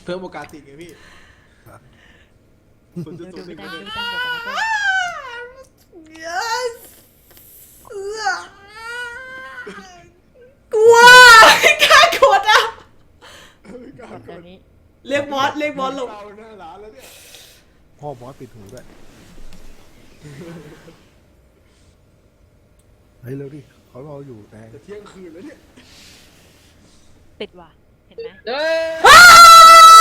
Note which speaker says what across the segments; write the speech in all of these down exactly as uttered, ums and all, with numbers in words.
Speaker 1: เพิ่มโอกาสติดไงพี่ศูนย์จุด
Speaker 2: ดู
Speaker 1: ศูนย์ห
Speaker 2: ไม่
Speaker 1: นึ่ง
Speaker 2: ได้
Speaker 1: เปอร์
Speaker 2: ดู
Speaker 1: เซ็นต์
Speaker 2: ไม่ได้บอกกันนะ
Speaker 3: yes กลัวไม่กล้ากดอ่ะ
Speaker 1: ไม่กล้า
Speaker 2: ก็
Speaker 1: ก
Speaker 2: ตอ
Speaker 1: ด
Speaker 2: นนี้
Speaker 3: เรียกบอสเรียกบอสลง
Speaker 1: เราหน้าร้านแล้วเนี่ย
Speaker 4: พ่อบอสปิดหูด้วยเฮ้ยเร็วดิเขารออยู่แต่
Speaker 1: จะเที่ยงคืนแล้วเนี่ย
Speaker 2: ปิดว่ะเห็นไหม
Speaker 5: เด้อ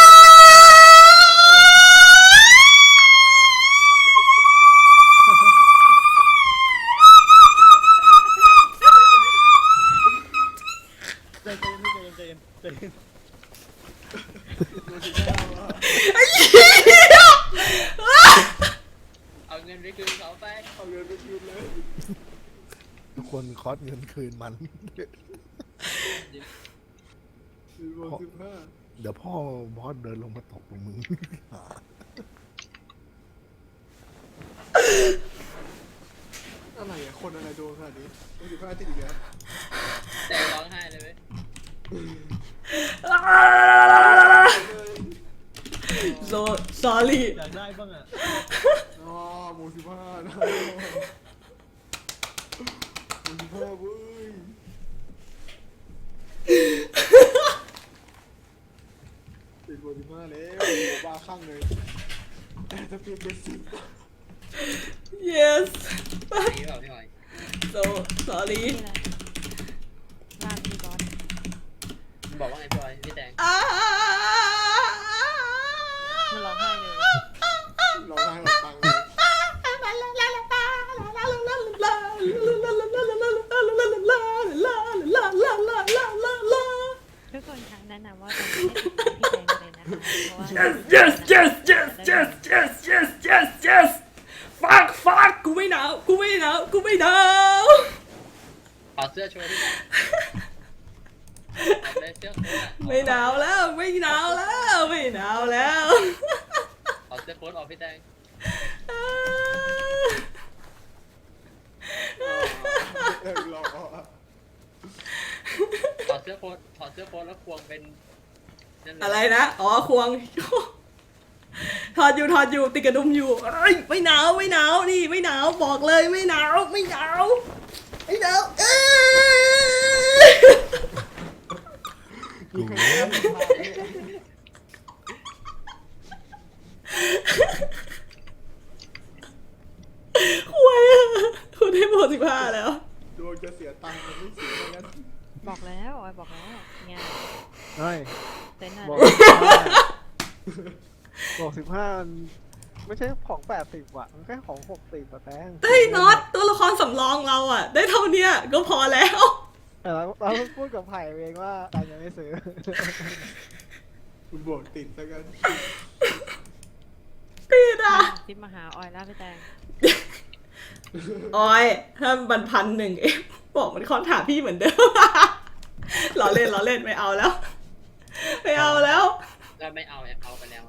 Speaker 4: ใจเย็นใจเย็นใจเย็นใจเย็น
Speaker 1: โดนสิบห้าว่ะ
Speaker 3: ไอ้เหี้ย
Speaker 5: เอาเงินไปคืนเขาไป
Speaker 1: เอาเงินไปคืนเลย
Speaker 4: ทุกคนคอสเงินคืนมัน
Speaker 1: สิบโมงสิบห้า
Speaker 4: เดี๋ยวพ่อบอสเดินลงมาตบลงมึง
Speaker 1: อะไรอะคนอะไรโดนขนาดนี้โดนสิบห้าติดอีกแล้ว
Speaker 5: แต่ร้องไห้เลยเว้ย
Speaker 3: โซ sorry
Speaker 4: อยากได้บ้างอ่ะ
Speaker 1: อ๋อโมงสิบห้านะโมงสิบห้าเว้ยติดโมงสิบห้าแล้วโอ้บ้าคลั่งเลยแต่จะเปลี่ยนเป็นสิบ
Speaker 3: yes
Speaker 5: นี่เปล่าพี่หอย
Speaker 3: so sorry
Speaker 2: นี่อะไรว่าพี่บอส
Speaker 5: บอกว่าไงพี่หอยพี่แตง
Speaker 3: อ่า
Speaker 2: มันร้องไห้เลย
Speaker 1: ร้องไห้ออกตังค์เลย
Speaker 2: ทุกคนคะแนะนำว่าตอนนี้ให้ติดตามพี่แดงเลยนะคะเพราะว่า
Speaker 3: yes yes yes yes yes yes yes yes yes fuck fuck กูไม่หนาวกูไม่หนาวกูไม่หนาว
Speaker 5: ขอเสื้อโชว์พี่แตงเอาเลยเสื้อโค้ทอะ
Speaker 3: ไม่หนาวแล้วไม่หนาวแล้วไม่หนาวแล้ว
Speaker 5: ขอเสื้อโค้ทออกพี่แตง
Speaker 1: เออรอ
Speaker 5: ขอเสื้อโค้ทขอเสื้อโค้ทแล้วควงเป็นนั่นเลย
Speaker 3: อะไรนะอ๋อควงถอดอยู่ถอดอยู่ติดกระดุมอยู่เอ้ยไม่หนาวไม่หนาวนี่ไม่หนาวบอกเลยไม่หนาวไม่หนาวไม่หนาวเอ้ย
Speaker 1: มีใครได้ไหมครับ
Speaker 3: ห่วยอะคุณได้โบสิบห้าแล้ว
Speaker 1: ดวงจะเสียตังค์มันไม่เสียแล้วกัน
Speaker 2: บอกแล้วออยบอกแล้วเนี่ย
Speaker 4: เฮ้ย
Speaker 2: เต้นอะ
Speaker 6: บ
Speaker 2: ไร
Speaker 6: อกสิบห้าบอกสิบห้ามันไม่ใช่ของแปดสิบว่ะ มันแค่ของหกสิบอะแตง
Speaker 3: เฮ้ยน็อตตัวละครสำรองเราอ่ะ ได้เท่าเนี้ยก็พอแล้ว
Speaker 6: แต่เราเราพูดกับไผ่เองว่าแตงยังไม่ซื้อ
Speaker 1: คุณบวกติดแล้วกัน
Speaker 3: พี่นะ
Speaker 2: คิดมาหาออยแล้วพี่แดง
Speaker 3: ออยถ้ามันพันหนึ่งเองบอกมันคอนถามพี่เหมือนเดิม ล้อเล่นล้อเล่นไม่เอาแล้ว ไม่เอาแล้ว
Speaker 5: ก็ไม่เอาเอาไปแล้ว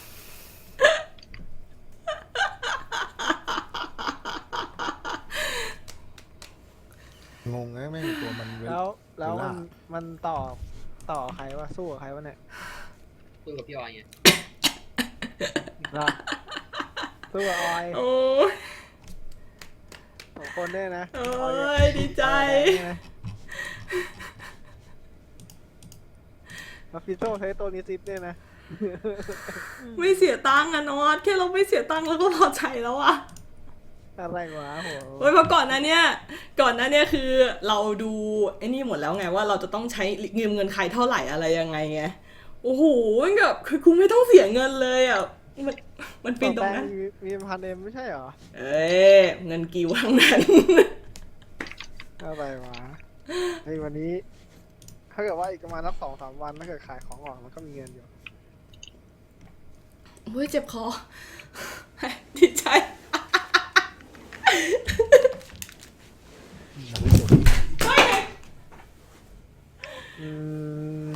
Speaker 4: งงนะแม่งตัวมันเว้น
Speaker 6: แล้วแล้วมัน
Speaker 4: เวลา
Speaker 6: มันต่อต่อใครวะสู้กับใครวะเนี่ย
Speaker 5: คุยกับพี่ออยไง
Speaker 6: ล่ะสู้กับออย
Speaker 3: โอ้ย
Speaker 6: สองคนเนี่ยนะ
Speaker 3: โอ้
Speaker 6: ออย
Speaker 3: ยดีใจ
Speaker 6: มาฟิโต้ใช้ตัวนี้ซิปเนี่ยนะ
Speaker 3: ไม่เสียตังค์อะนอตแค่เราไม่เสียตังค์เราก็พอใจแล้วอะ
Speaker 6: อะไรวะโห
Speaker 3: โอ้ยเพราะก่อนหน้าเนี้ยก่อนหน้าเนี้ยคือเราดูไอ้นี่หมดแล้วไงว่าเราจะต้องใช้เงินเงินใครเท่าไหร่อะไรยังไงไงโอ้โหมันแบบคือกูไม่ต้องเสียเงินเลยอ่ะมันมันฟินตรงนั้น
Speaker 6: แมีมีพันเอ็มไม่ใช่เหรอ
Speaker 3: เอ้ยเงินกิวทั้งนั้น
Speaker 6: อะไรวะไอ้วันนี้ ถ้าเกิดว่าอีกประมาณสักสองสามวันถ้าเกิดขายของออกมันก็มีเงินอยู่
Speaker 3: โอ้ยเจ็บคอ ดีใจ
Speaker 4: ยังไม่จบ
Speaker 6: อืม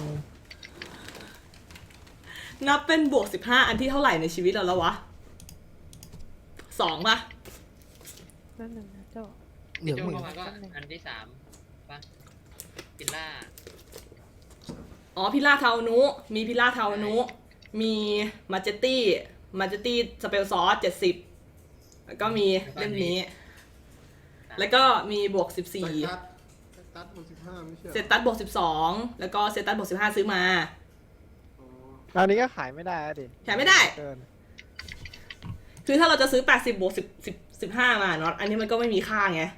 Speaker 3: นับเป็นบวกสิบห้าอันที่เท่าไหร่ในชีวิตเราแล้ววะสองป่ะ
Speaker 2: แป๊บนึงนะโจ้
Speaker 4: เดี๋
Speaker 5: พี่
Speaker 4: ยว
Speaker 5: โจ
Speaker 4: มึง
Speaker 5: เข้ามาก็อันที่สามป่ะพิลล่า
Speaker 3: อ๋อพิล่าเทานุมีพิล่าเทานุมีมาเจตตี้มาเจตตี้สเปลซอสเจ็ดสิบแล้วก็มีเล่มนี้ แล้วก็มีบวกสิบสี่
Speaker 1: ตัดตัดบวกสิบห้าไม่ใช่
Speaker 3: เซตตัสบวกสิบสองแล้วก็เซตตัสบวกสิบห้าซื้อมา
Speaker 1: อ๋อ
Speaker 6: อันนี้ก็ขายไม่ได้อะดิ
Speaker 3: ขายไม่ได้
Speaker 6: เกิน
Speaker 3: คือถ้าเราจะซื้อแปดสิบบวกสิบ สิบ สิบห้ามาเนาะอันนี้มันก็ไม่มีค่าไง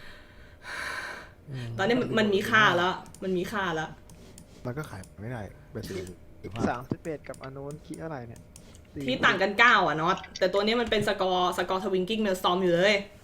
Speaker 4: ม
Speaker 3: ตอนนี้มันมันมีค่าแล้ว มันมีค่าแล้ว
Speaker 4: มันก็ขายไม่ได้เป็นสิบสิบห้า
Speaker 6: สามสิบเอ็ดกับอันนู้นคิดเท่าไหร่เนี่ยสี่
Speaker 3: ที่ต่างกันเก้าอ่ะเนาะแต่ตัวนี้มันเป็นสกอร์สกอร์ทวิงกิ้งเมลสตอมอยู่เลย